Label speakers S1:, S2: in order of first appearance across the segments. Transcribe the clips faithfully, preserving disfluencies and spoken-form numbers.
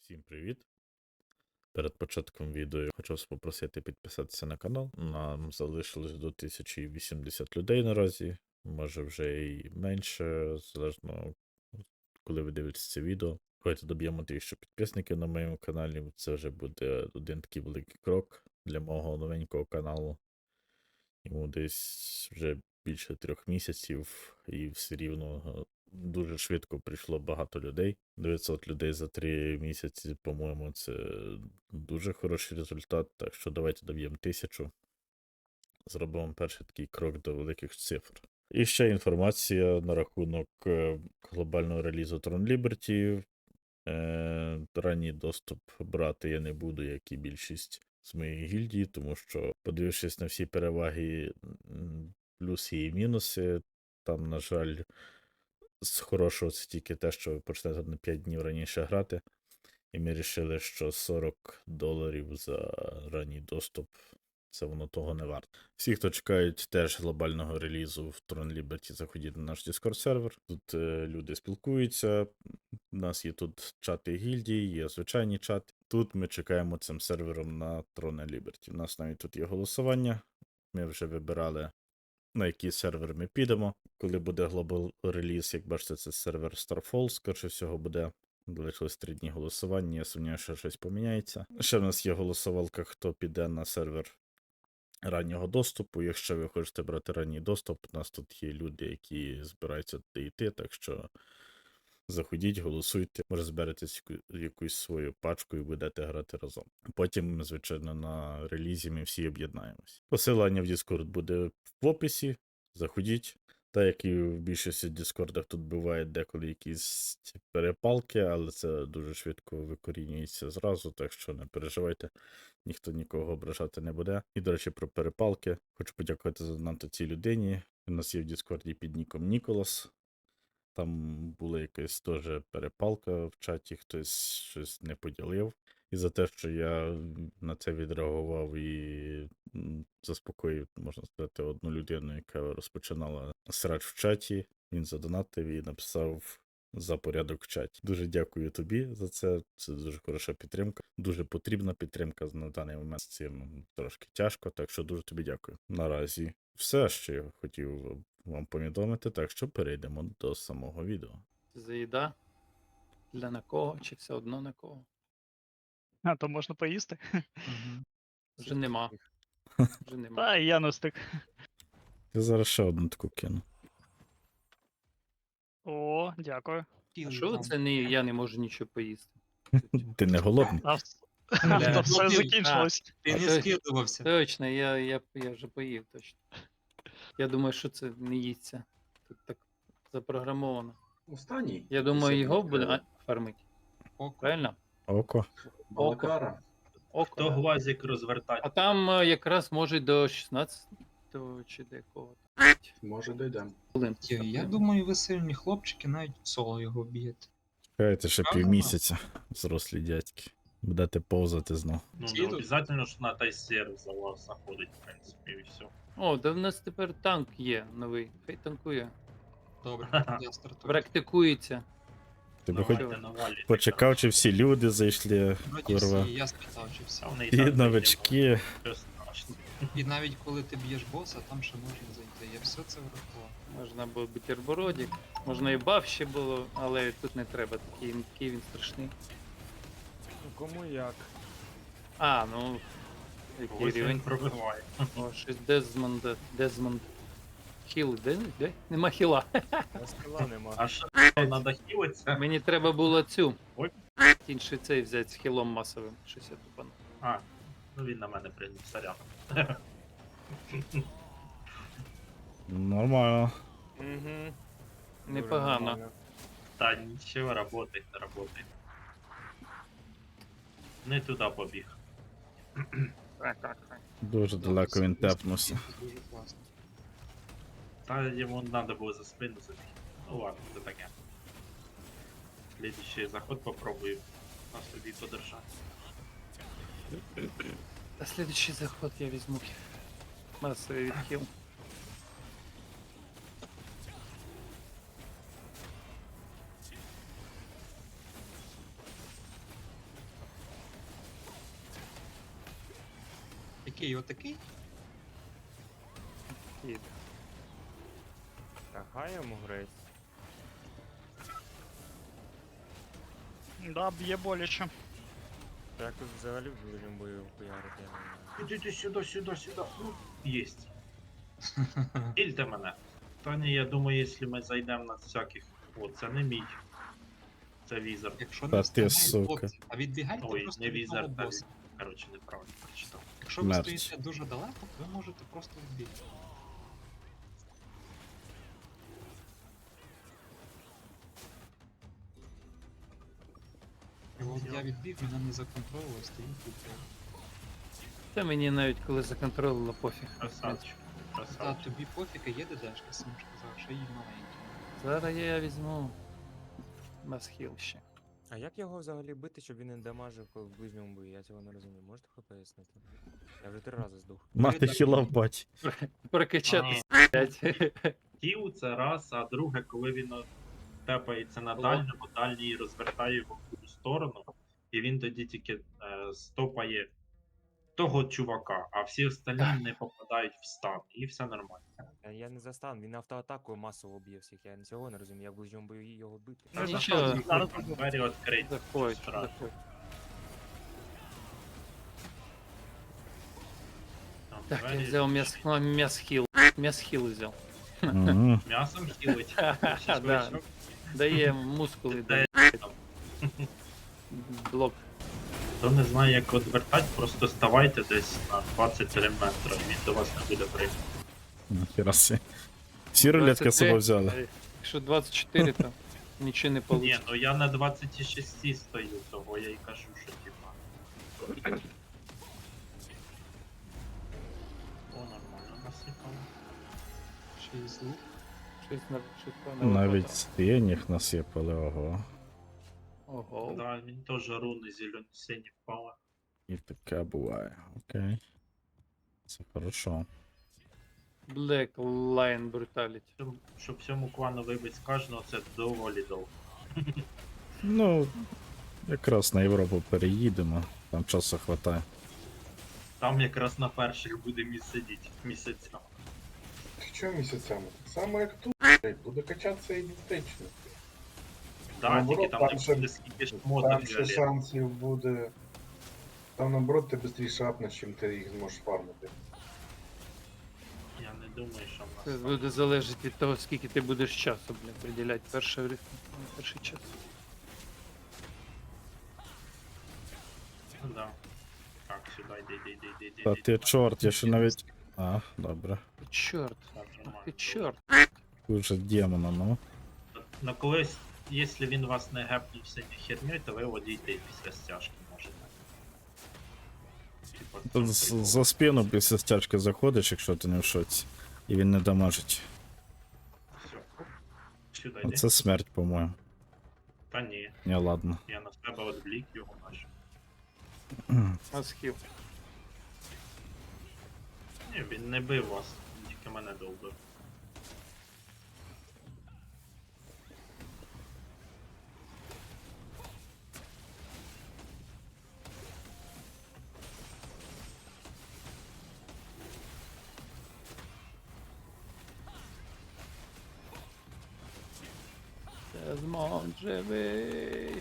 S1: Всім привіт! Перед початком відео я хочу вас попросити підписатися на канал. Нам залишилось до тисячі вісімдесят людей наразі, може вже і менше, залежно коли ви дивитесь це відео. Давайте доб'ємо тисячу підписників на моєму каналі. Це вже буде один такий великий крок для мого новенького каналу. Йому десь вже більше трьох місяців, і все рівно дуже швидко прийшло багато людей. дев'ятсот людей за три місяці, по-моєму, це дуже хороший результат. Так що давайте доб'ємо тисячу. Зробимо перший такий крок до великих цифр. І ще інформація на рахунок глобального релізу Tron Liberty. Е, ранній доступ брати я не буду, як і більшість з моєї гільдії, тому що, подивившись на всі переваги, плюси і мінуси, там, на жаль, з хорошого це тільки те, що ви почнете на п'ять днів раніше грати. І ми вирішили, що сорок доларів за ранній доступ, це воно того не варто. Всі, хто чекають теж глобального релізу в Tron Liberty, заходіть на наш Discord сервер. Тут е, люди спілкуються. У нас є тут чати гільдії, є звичайні чати. Тут ми чекаємо цим сервером на Tron Liberty. У нас навіть тут є голосування. Ми вже вибирали, на який сервер ми підемо. Коли буде глобал реліз, як бачите, це сервер Starfall, скоріше всього буде. Залишилось три дні голосування, я сумніваюся, що щось поміняється. Ще в нас є голосувалка, хто піде на сервер раннього доступу. Якщо ви хочете брати ранній доступ, у нас тут є люди, які збираються туди йти, так що заходіть, голосуйте, може зберетесь якусь свою пачку і будете грати разом. Потім, звичайно, на релізі ми всі об'єднаємось. Посилання в Discord буде в описі, заходіть. Та, як і в більшості Діскордах, тут бувають деколи якісь перепалки, але це дуже швидко викорінюється зразу, так що не переживайте, ніхто нікого ображати не буде. І, до речі, про перепалки. Хочу подякувати за донат цій людині. У нас є в Діскорді під ніком Ніколас. Там була якась теж перепалка в чаті, хтось щось не поділив. І за те, що я на це відреагував і заспокоїв, можна сказати, одну людину, яка розпочинала срач в чаті, він задонатив і написав за порядок в чаті. Дуже дякую тобі за це, це дуже хороша підтримка, дуже потрібна підтримка на даний момент, з цим трошки тяжко, так що дуже тобі дякую. Наразі все, що я хотів вам повідомити, так що перейдемо до самого відео.
S2: За їда? Для на кого, чи все одно на кого?
S3: А, то можна поїсти?
S2: Угу. Вже нема. Вже нема.
S3: Та, і я не встиг.
S1: Я зараз ще одну таку кину.
S3: О, дякую.
S2: А що це не я не можу нічого поїсти?
S1: Ти не голодний?
S3: А, вс- а то все
S4: ну, ти-
S3: закінчилось.
S4: Ти
S2: А
S4: не
S2: то-
S4: скидувався.
S2: Точно, я, я, я вже поїв точно. Я думаю, що це не їсться. Тут так запрограмовано.
S5: Останній.
S2: Я думаю, його буде а, фармити.
S4: Око.
S2: Правильно?
S1: Око.
S5: Балакара.
S2: Око.
S6: То глазик розвертати.
S2: А там е, якраз може до шістнадцятого чи до якого.
S5: Може дійдемо.
S2: Хвилин.
S4: Я, я думаю, ви сильні хлопчики, навіть в соло його б'єте.
S1: Чекайте ще
S4: Ага.
S1: півмісяця, зрослі дядьки. Будете повзати знов.
S6: Ну, не
S4: Їдуть.
S6: обов'язково, що на той серв за вас заходить, в принципі, і все.
S2: О, да в нас тепер танк є новий. Хай танкує.
S4: Добре, я стартую.
S2: Практикується.
S1: Ти би хоч
S6: Давайте навалюйте.
S1: почекав, чи всі люди зайшли,
S4: Вроді
S1: курва.
S4: всі, я спитав, чи всі.
S6: Та вони і
S1: І
S6: так
S1: новички.
S6: Що страшно.
S4: І навіть коли ти б'єш боса, там ще можна зайти. Я все це врахував.
S2: Можна було бутербродик, можна і баф ще було, але тут не треба, такий, такий він страшний.
S7: Кому як?
S2: А, ну. Який
S6: Ось він
S2: рівень?
S6: пробиває.
S2: О, щось Дезмонд. Дезмонд. Хіл, де? Де? Нема хіла.
S7: На скала нема.
S6: А що, треба хілитися?
S2: Мені треба було цю.
S6: Ой.
S2: Інший цей взяти з хілом масовим. Щось я тупану.
S6: А, ну він на мене прийняв, сорян.
S1: Нормально.
S7: Угу.
S2: Непогано.
S6: Та нічого, работай, работай. Не туди побіг.
S2: Так, так, так.
S1: Дуже далеко він тепнувся.
S4: Дуже класно.
S6: Та йому треба було за спину забігти. Ну ладно, це таке. Слідуючий заход попробую на собі подержати.
S2: А следующий заход я візьму масовий відхил.
S4: отакий, отакий.
S2: Їде.
S7: Та хай йому грець.
S3: Да, б'є боляче.
S7: Та як тут взагалі в ближньому бою хуярити, я не знаю.
S6: Ідіть сюди, сюди, сюди. Ну, єсть. Ільте мене. Та ні, я думаю, якщо ми зайдемо на всяких. О, це не мій. Це візер.
S4: Якщо
S1: Та
S4: не
S1: ти,
S4: встигають
S1: сука.
S4: хлопці, а відбігайте
S6: Ой,
S4: просто
S6: не
S4: від
S6: візер,
S4: того
S6: та
S4: боса.
S6: Коротше, неправильно прочитав.
S4: Якщо ви
S1: Смерть.
S4: стоїте дуже далеко, ви можете просто відбігти. І от я відбіг, мене не законтролило, стою тут.
S2: Та мені навіть коли законтролило пофіг.
S6: Красавчик.
S4: Та
S6: Красавчик.
S4: тобі пофіг, є ДДшка, сам ж казав, що їй маленькі.
S2: Зараз я візьму масхіл ще.
S7: А як його взагалі бити, щоб він не дамажив коли в ближньому бою? Я цього не розумію. Можете хоч пояснити? Я вже три рази здох.
S1: Мати хіла в баті.
S2: Прокачати,
S6: А.
S2: блядь.
S6: Кіл це раз, а друге, коли він от тепається на дальньому, дальній розвертає його в ту сторону, і він тоді тільки е, стопає того чувака, а всі остальні не попадають в стан, і все нормально.
S7: Я, я не застан, він автоатакою масово б'є всіх. Я цього не розумію, я в ближньому бою його бити.
S2: Ну,
S6: Та
S2: нічого.
S6: заходь,
S3: Зараз
S6: там двері відкриті.
S2: Заходь,
S6: Сразу.
S2: заходь.
S6: Там
S2: Так, я
S6: двері
S2: взяв
S6: відкриті.
S2: мяс, мясхіл. Мясхіл взяв.
S1: Мгм.
S6: М'ясом хілить.
S2: Да. Дає мускули,
S6: Де
S2: дає
S6: там?
S2: блок.
S6: Хто не знає, як відвертати, просто ставайте десь на двадцять три метри, і він до вас не буде прийти.
S1: Ніхіра сі. Всі рулетки з
S2: двадцять три.
S1: собою взяли.
S2: Е, Якщо двадцять чотири, то нічого не
S6: Ні,
S2: вийде.
S6: ну я на двадцять шість стою, того я й кажу, що типа. О, нормально насипало.
S4: Ще й звук.
S2: Щось на щось на
S1: Навіть стініг насипали, ого.
S2: Ого.
S6: Да, він теж руни зелені сині впали.
S1: І таке буває. Окей. Це хорошо.
S2: Black Lion Brutality.
S6: Щоб- Щоб всьому клану вибити з кожного, це доволі довго.
S1: Ну, якраз на Європу переїдемо, там часу хватає.
S6: Там якраз на перших буде місце сидіти місяцями.
S5: Що місяцями? Так само як тут, блядь, буде качатися ідентично.
S6: Да,
S5: Наоборот,
S6: тільки там
S5: там
S6: не
S5: ще-
S6: буде скільки ж модок
S5: Там ще
S6: взагалі.
S5: шансів буде. Там наоборот ти швидше апнеш, чим ти їх зможеш фармити.
S6: Я не думаю, що в
S2: Це
S6: нас.
S2: буде залежати від того, скільки ти будеш часу, бля, приділяти перший, ритм, перший час.
S6: Ну, да. Так, сюди йди, йди, йди, йди, йди.
S1: Та
S6: йди,
S1: ти
S6: йди.
S1: чорт, я ще навіть. А, добре.
S2: Чорт,
S6: Так,
S2: ах
S6: нормально.
S2: ти чорт.
S1: Уже демона, ну.
S6: На колись, якщо він вас не гепнув синю херню, то ви одійте і після стяжки можете. Типа, в цьому
S1: Тут з-
S6: прикол.
S1: за спину після стяжки заходиш, якщо ти не в шоці. І він не дамажить.
S6: Всьо. Сюди йди.
S1: Це смерть, по-моєму.
S6: Та ні,
S1: Ні, ладно.
S6: я на себе відвлік його наче.
S2: Масхіл.
S6: Ні, він не бив вас, він тільки мене довбив.
S2: Дезмонд живий.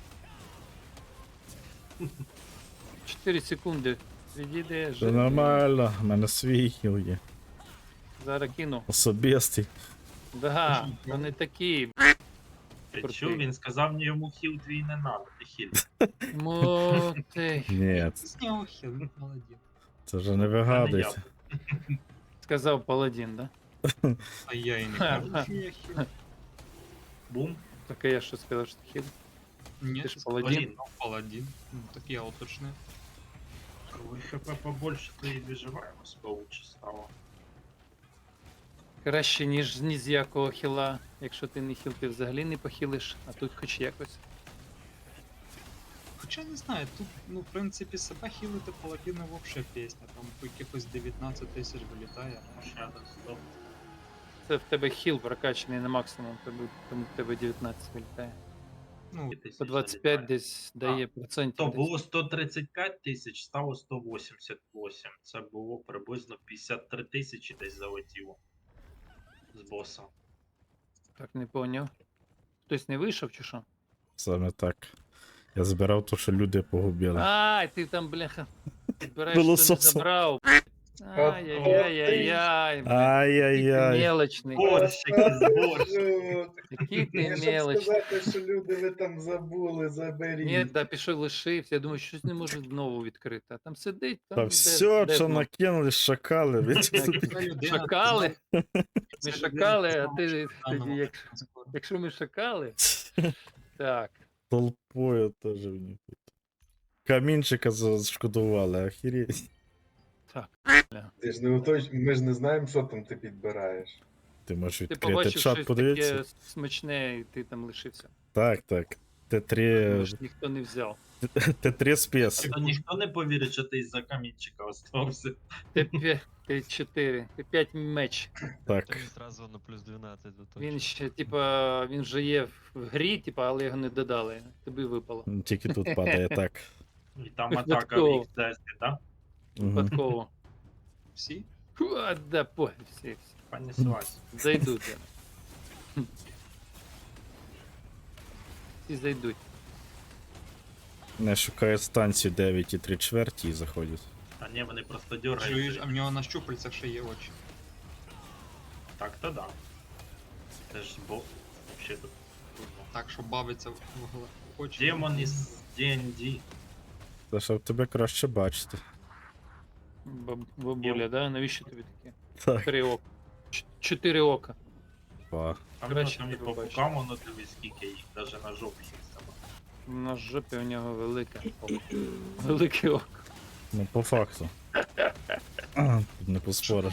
S2: чотири секунди. Відійде,
S1: Це
S2: живий.
S1: нормально, в мене свій хіл є.
S2: Зараз кину.
S1: Особистий.
S2: Да, вони такі.
S6: Ти
S2: Крутий.
S6: чув, він сказав, йому хіл твій не надо, ти хіл.
S2: Моти.
S1: Ні,
S4: З нього хіл, він молодець.
S1: це вже не вигадується.
S2: Сказав паладін, да?
S4: А я і не кажу, що я хіл.
S6: Бум.
S2: Так а я що сказав, що ти хід?
S4: Ні,
S2: Ти ж
S4: ти
S2: паладін?
S4: сказав, ну, паладін. Ну, так я уточнив.
S6: Коли хп побольше, то і виживаємось, лучше стало.
S2: Краще, ніж ні з якого хіла. Якщо ти не хіл, ти взагалі не похилиш, а тут хоч якось.
S4: Хоча не знаю, тут, ну, в принципі, себе хілити паладіна вообще пісня. Там по якихось дев'ятнадцять тисяч вилітає.
S6: Ще один здох.
S2: Це в тебе хіл прокачаний на максимум, тобі- тому в тебе дев'ятнадцять вилітає.
S4: Ну,
S2: По двадцять п'ять
S6: залітає.
S2: десь дає процентів.
S6: То
S2: десь.
S6: було сто тридцять п'ять тисяч, стало сто вісімдесят вісім. Це було приблизно п'ятдесят три тисячі десь залетіло з боса.
S2: Так, не поняв. Хтось не вийшов чи що?
S1: Саме так. Я збирав то, що люди погубили.
S2: Ай, ти там, бляха, збираєш, що не
S1: Пилососом.
S2: забрав. Ай-яй-яй-яй, бля. Який ти
S1: Ай-яй-яй.
S2: мелочний.
S6: Борщики з борщ.
S2: Який ти
S5: Я щоб
S2: мелочний.
S5: сказати, що люди ви там забули, заберіть.
S2: Ні, да, пішов лишився. Я думаю, щось не можу знову відкрити. А там сидить, там
S1: Та
S2: де-
S1: все,
S2: де
S1: що
S2: воно?
S1: накинули, шакали. Ви
S2: Так,
S1: собі-
S4: Ця людина
S2: Шакали?
S4: сказала-
S2: Ми
S4: ця
S2: шакали,
S4: людина
S2: а ти
S4: сказала, що
S2: тоді,
S4: заново
S2: якщо,
S4: транспорт.
S2: якщо ми шакали, так.
S1: Толпою теж в них тут. Камінчика зашкодували, охереть.
S5: Ти ж не уточ... Ми ж не знаємо, що там ти підбираєш.
S1: Ти можеш
S2: Ти
S1: відкрити
S2: побачив
S1: чат,
S2: щось
S1: подивитися.
S2: таке смачне, і ти там лишився.
S1: Так, так. Т три,
S2: Тому що ніхто не взяв.
S1: Т три спец.
S6: То ніхто не повірить, що ти із-за камінчика остався.
S2: Т п'ять, Т чотири, Т п'ять меч.
S1: Так.
S8: Сразу на плюс дванадцять зато.
S2: Він ще, типа, він вже є в грі, типа, але його не додали. Тобі випало.
S1: Тільки тут падає так.
S6: І там атака в
S2: Випадково.
S6: ікс десять, так?
S1: Мгм.
S2: Випадково.
S4: Всі?
S2: Фу, а, да, пофіг, всі, всі.
S6: Понеслась.
S2: Зайдуть. зараз. Хм. Всі зайдуть.
S1: Не шукає станцію дев'ять і три чверті і заходять.
S6: А ні, вони просто
S4: Чуєш,
S6: дергають.
S4: а в нього на щупальцях ще є очі.
S6: Так, то да. Це ж бо... Вообще тут.
S4: Так, що бавиться в в гла- очі.
S6: Демон із ді ен ді.
S1: Та щоб тебе краще бачити.
S2: Баб- Бабуля, да? Навіщо тобі таке?
S1: Так.
S2: Три ока. Ч- Чотири ока.
S1: Па.
S6: А воно
S2: Краще
S6: там і
S2: тебе
S6: по
S2: бачити.
S6: бокам воно дивись, скільки їх, навіть на жопі їх саме.
S2: На жопі у нього велике око. Велике око.
S1: Ну, по факту. А, тут не поспориш.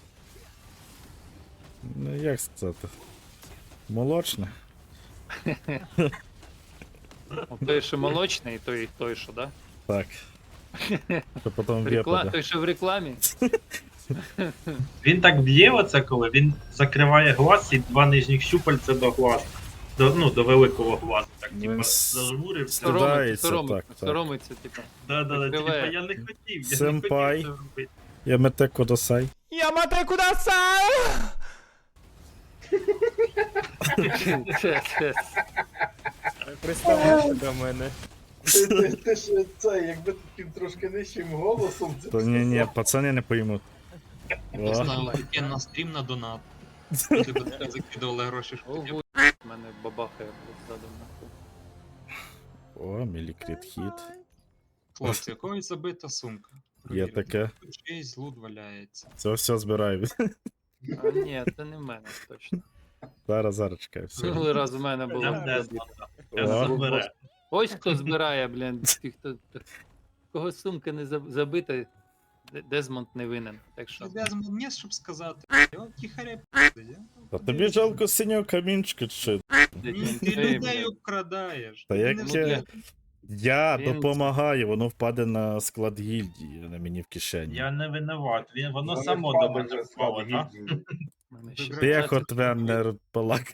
S1: Ну, як сказати? Молочне.
S2: О, Той, що молочний, той, той, що, да?
S1: Так. Що потім
S2: Рекла...
S1: випаде.
S2: Той, що в рекламі.
S6: Він так б'є оце, коли він закриває глаз і два нижніх щупальця до глаз. До, ну, до великого глазу. Так,
S1: Ну,
S6: типа,
S1: с-
S6: зажмурився.
S1: Стида-
S2: Соромиться,
S1: Соромиться,
S2: соромиться,
S1: так, так.
S2: соромиться, типу.
S6: Да, да, да, типа,
S2: Закриває.
S6: я не хотів, я
S1: Сенпай.
S6: не хотів це робити.
S1: Я мете кодосай.
S2: Це, це,
S7: Приставай до мене.
S5: Ти, ти, ти ж це, якби таким трошки нижчим голосом це
S1: То ні, ні,
S5: сказав.
S1: пацани не поймуть. О,
S4: Поставили таке на стрім на донат. Люди б таке закидували гроші, що
S2: Ого,
S4: таке.
S2: в мене бабахає ззаду нахуй.
S1: о, мілікрит хіт.
S4: Хлопці, якогось забита сумка.
S1: Є
S4: Провірте.
S1: таке.
S4: Тут чийсь лут валяється.
S1: Це все збираю.
S2: А ні, це не в мене точно.
S1: Зараз, зараз чекай, все.
S2: Минулий раз в мене було.
S6: Там Дезмонда.
S1: О.
S6: Дезмонд бере.
S2: Ось хто збирає, блін, ті, хто. Кого сумка не заб- забита, Д- Дезмонд не винен. Так що.
S4: Я не щоб сказати. О, тихаря п***й,
S1: Та тобі жалко синього камінчика чи що?
S4: Ні, ти людей обкрадаєш.
S1: Та
S4: Ти
S1: як
S4: не
S2: Ну,
S1: я-
S4: знаєш.
S1: Я
S2: Він-
S1: допомагаю, воно впаде на склад гільдії, а не мені в кишені.
S6: Я не винуват, він, воно
S5: Вони
S6: само
S5: впали
S6: до мене
S5: вже
S6: впало,
S5: склад
S6: так?
S5: гільдії.
S2: в мене ще
S1: Тихо, Твеннер, палак.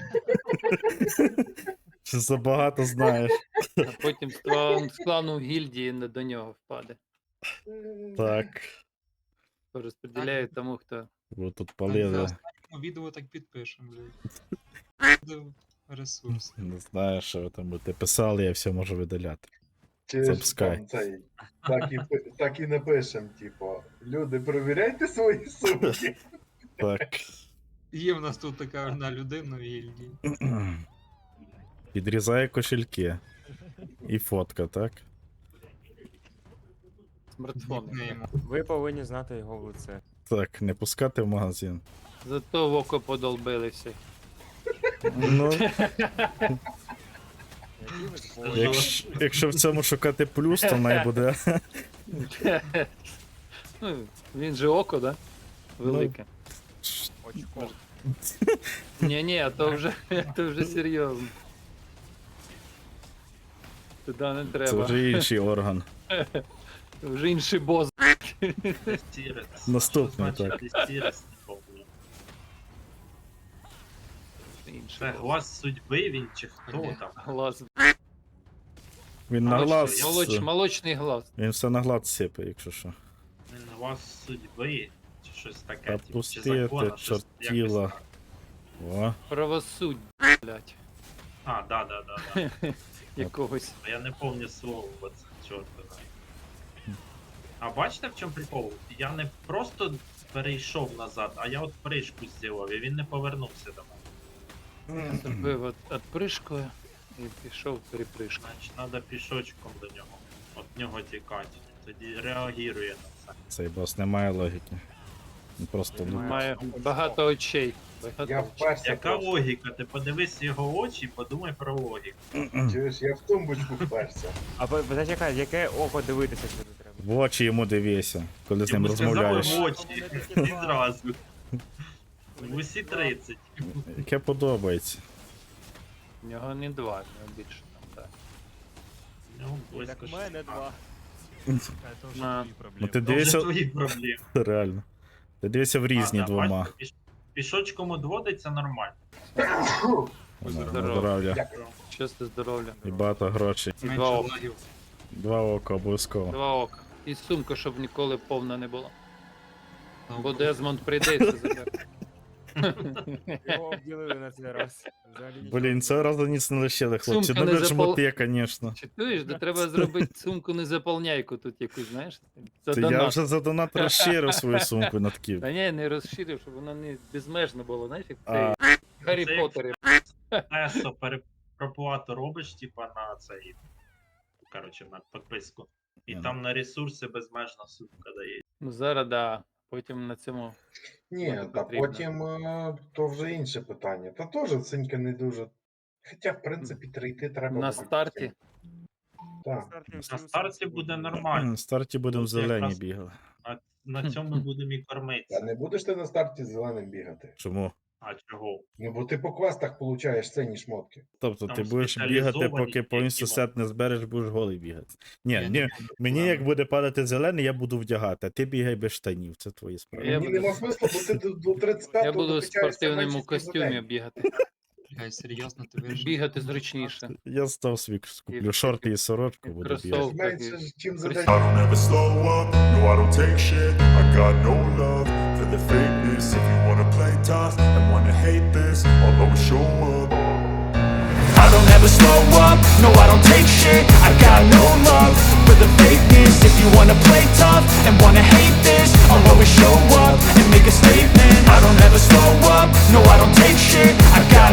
S1: Що забагато знаєш.
S2: А потім з клану- з клану гільдії не до нього впаде.
S1: Так.
S2: Розподіляють тому, хто.
S1: Ви тут
S4: Так, за
S1: палили.
S4: останньому відео так підпишемо, блядь. Буде ресурс.
S1: Не знаю, що ви там будете писали, я все можу видаляти.
S5: Чи ж
S1: Запускай.
S5: там цей, так і, пи- так і напишем, типу, люди, перевіряйте свої сумки.
S1: Так.
S4: Є в нас тут така одна людина в гільдії.
S1: Підрізає кошельки. І фотка, так?
S2: Смартфон.
S4: Нікнеймом.
S7: Ви повинні знати його в лице.
S1: Так, не пускати в магазин.
S2: Зато в око подолбили всі.
S1: Ну,
S7: Які ви твої?
S1: якщо, якщо в цьому шукати плюс, то най буде.
S2: Ну, він же око, да? Велике.
S7: Очко.
S2: Ні-ні, а то вже, то вже серйозно. Туди не
S1: Це
S2: треба.
S1: вже інший орган.
S2: Вже інший бос.
S6: Дестірес.
S1: Наступний,
S6: Що значить
S1: так.
S6: Дестірес? Не помню.
S2: інший.
S6: Це
S2: голос.
S6: глас судьби він чи хто
S2: Ні,
S6: там?
S2: Глаз.
S1: Він на глаз.
S2: Молоч, молочний глаз.
S1: Він все на глаз сипе, якщо що.
S6: Він глас судьби чи щось таке.
S1: Та
S6: типу, чи
S1: пусти
S6: закона,
S1: ти,
S6: щось
S1: чортіла.
S6: якось так.
S1: О,
S2: Правосуддя, блядь.
S6: А, да, да, да, да.
S2: Якогось.
S6: Я не пам'ятаю слово, бо це чорт знає. А бачите, в чому прикол? Я не просто перейшов назад, а я от пришку зробив, і він не повернувся до мене.
S2: Зробив от отпришкою і пішов перепришкою.
S6: Значить, треба пішочком до нього. От нього тікати. Тоді реагує на це.
S1: цей бос не має логіки. Він просто ну,
S2: Має багато очей. Багато
S5: Я
S2: очей.
S5: вперся
S6: Яка
S5: просто.
S6: логіка? Ти подивись його очі і подумай про логіку.
S5: Чуєш, я в тумбочку вперся.
S7: А по- зачекай, яке око дивитися сюди треба?
S1: в очі йому дивися, коли з ним
S6: Йому сказали
S1: розмовляєш.
S6: в очі. Відразу. В усі тридцять.
S1: Яке подобається.
S2: В нього не два, в нього більше там, так.
S6: Ну,
S7: Так
S6: близько
S7: в мене
S6: шістнадцять.
S7: два.
S8: А это уже
S2: На.
S8: твои
S1: Ну
S8: проблемы.
S1: ти
S6: Це вже
S1: дивися,
S6: твої проблеми.
S1: реально. Ти дивися в різні
S6: А, да,
S1: двома.
S6: бачите, піш- Пішочком одводиться нормально.
S1: Ну, на
S2: Здорово.
S1: здоров'я.
S5: Дякую.
S2: Щастя, здоров'я.
S1: І багато грошей.
S2: І
S4: Менше
S2: два ока.
S4: лагів.
S1: Два ока обов'язково.
S2: Два ока. І сумка, щоб ніколи повна не була.
S4: Ну,
S2: Бо Дезмонд прийде і все забере.
S7: Його обділили на цей раз. Взагалі нічого.
S1: Блін, цього разу ніц не лишили, хлопці.
S2: Сумка
S1: Ну
S2: не
S1: ви ж
S2: запал-
S1: моти, звісно.
S2: Чи чуєш, де треба зробити сумку незаполняйку тут якусь, знаєш? За
S1: Це я
S2: донат.
S1: вже за донат розширив свою сумку на такі.
S2: Та ні, не розширив, щоб воно не безмежно було, знаєш, як
S1: А.
S2: цей Гаррі
S6: Це як
S2: Поттері.
S6: Тесо перепроплату робиш, типа на цей. Коротше, на підписку. І
S1: Ні,
S6: там на ресурси безмежна сумка дає.
S2: Ну зараз да. Потім на цьому.
S5: Ні,
S2: Буде
S5: та
S2: потрібно.
S5: потім е, то вже інше питання. Та теж цинька не дуже. Хоча, в принципі, трійти треба.
S2: На
S5: буде
S2: старті.
S5: всім. Так.
S7: всі
S6: На
S7: усі
S6: старті
S7: будуть.
S6: буде нормально.
S1: На старті будемо
S6: Тут
S1: зелені
S6: якраз-
S1: бігали.
S6: А на цьому ми будемо і кормитися.
S5: Та не будеш ти на старті з зеленим бігати.
S1: Чому?
S6: А чого?
S5: Ну бо ти по квестах получаєш цінні шмотки.
S1: Тобто
S6: Там
S1: ти будеш бігати,
S6: спеціалізовані
S1: поки повністю
S6: тільки
S1: сет не збереш, будеш голий бігати. Ні,
S4: Я
S1: ні,
S4: не буду
S1: мені
S4: з
S1: як
S4: вами.
S1: буде падати зелений, я буду вдягати, а ти бігай без штанів, це твої справи.
S2: Я
S5: Мені
S2: буду-
S5: нема смислу, бо ти до, до тридцять п'ятого
S2: Я буду в
S5: докачаєшся
S2: спортивному
S5: менше, ніж за
S2: костюмі
S5: день.
S2: бігати.
S4: Блядь, серйозно, ти вирішив?
S2: Бігати зручніше.
S1: Я став свій куплю шорти і сорочку,
S2: і
S1: буду
S2: кросовки.
S1: бігати.
S5: Менше, чим за
S2: Крис-
S5: день.
S9: I don't ever slow up, no I don't take shit. I got no love for the fakeness. If you wanna play tough and wanna hate this, I'll always show up. I don't ever slow up, no I don't take shit. I got no love for the fakeness. If you wanna play tough and wanna hate this, I'll always show up and make a statement. I don't ever slow up, no I don't take shit. I got